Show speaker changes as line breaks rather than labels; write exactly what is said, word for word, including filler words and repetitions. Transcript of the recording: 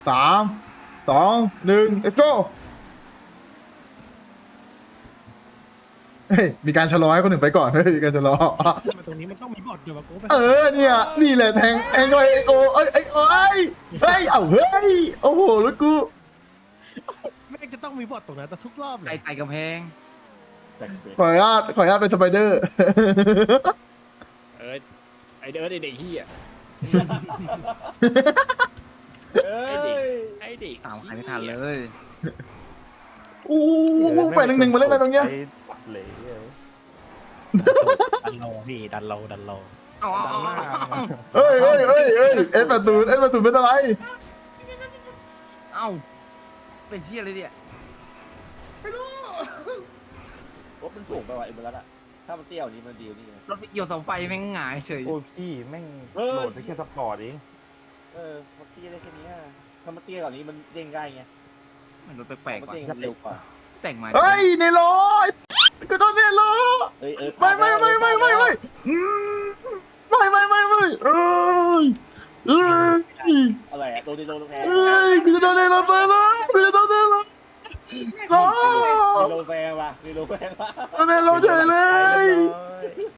สามสองหนึ่ง let's go เฮ้ยมีการชะลอให้คนหนึ่งไปก่อนเฮ้ยมีการชะลอ
มาตรงนี้มันต้องมีบอทอยู่แบบกูไป
เออเนี่ยนี่แหละแทงแทงเลยไอโอเอ้ยไอโอ้ยเฮ้ยเอ้าเฮ้ยโอ้โหแล้วกู
แม่งจะต้องมีบอทตรงนั้นแต่ทุกรอบเล
ไก่
ย
ไต่กำแพง
แต่เด็ก
ขออนุญาตขออนุญาตเป็นสไปเดอร์
เออไอเดิร์ดไอเด็กเฮีย
เอ้
ไอเด็ก
ย
ไอเด็ก
ตามใครไม่ทันเลย
อู้หูไปหนึ่งหนึ่งมาเล่นอะไรตรงเนี้ย
ไอ้ปัดเหล่เลย
ดันโลพี่ดันโลดันโล
เอาเอาเอาเอาเอา
เฮ้ยเฮ้ยเฮ้ยเฮ้ยเอสแปดศูนย์เอสแปดศูนย์เป็นอะไร
เอาเป็นที่อะไรเนี่ย
รถมันสูงไปว่ะไอ้เบลัสอะถ้ามันเตี้ยวนี้มันดีกว่านี่นะ
รถไปเกี่ยวเสาไฟแม่งหงายเฉย
โอ้ยพี่แม่ง
เฮ้ย
โหลดได้แค่สปอร์ตเอง
เออมันเตี้ยได้แค่นี้อะถ้ามันเตี้ยกว่านี้มันเด้งได้ไง
มันรถแปลกๆ
มัน
ว่ะ
เด้งเร็วกว่า
แต่งมา
เฮ้ยเนโรก็โดนเนโร
เอ้ยเออ
ไม่ไม่ไม่ไม่ไม่ไม่อืมไม่ไม่ไม่ไม่เอ้ยเอ้ย
อะไรอะโดนดีโดนแพ้
เอ้ยกูจะโดนเนโรตายแล้วกูจะโดนเนโรโอ้
ดีโดนแพ้ว่ะดีโดนแพ้ว่ะ
โดนเนโรเฉยเลย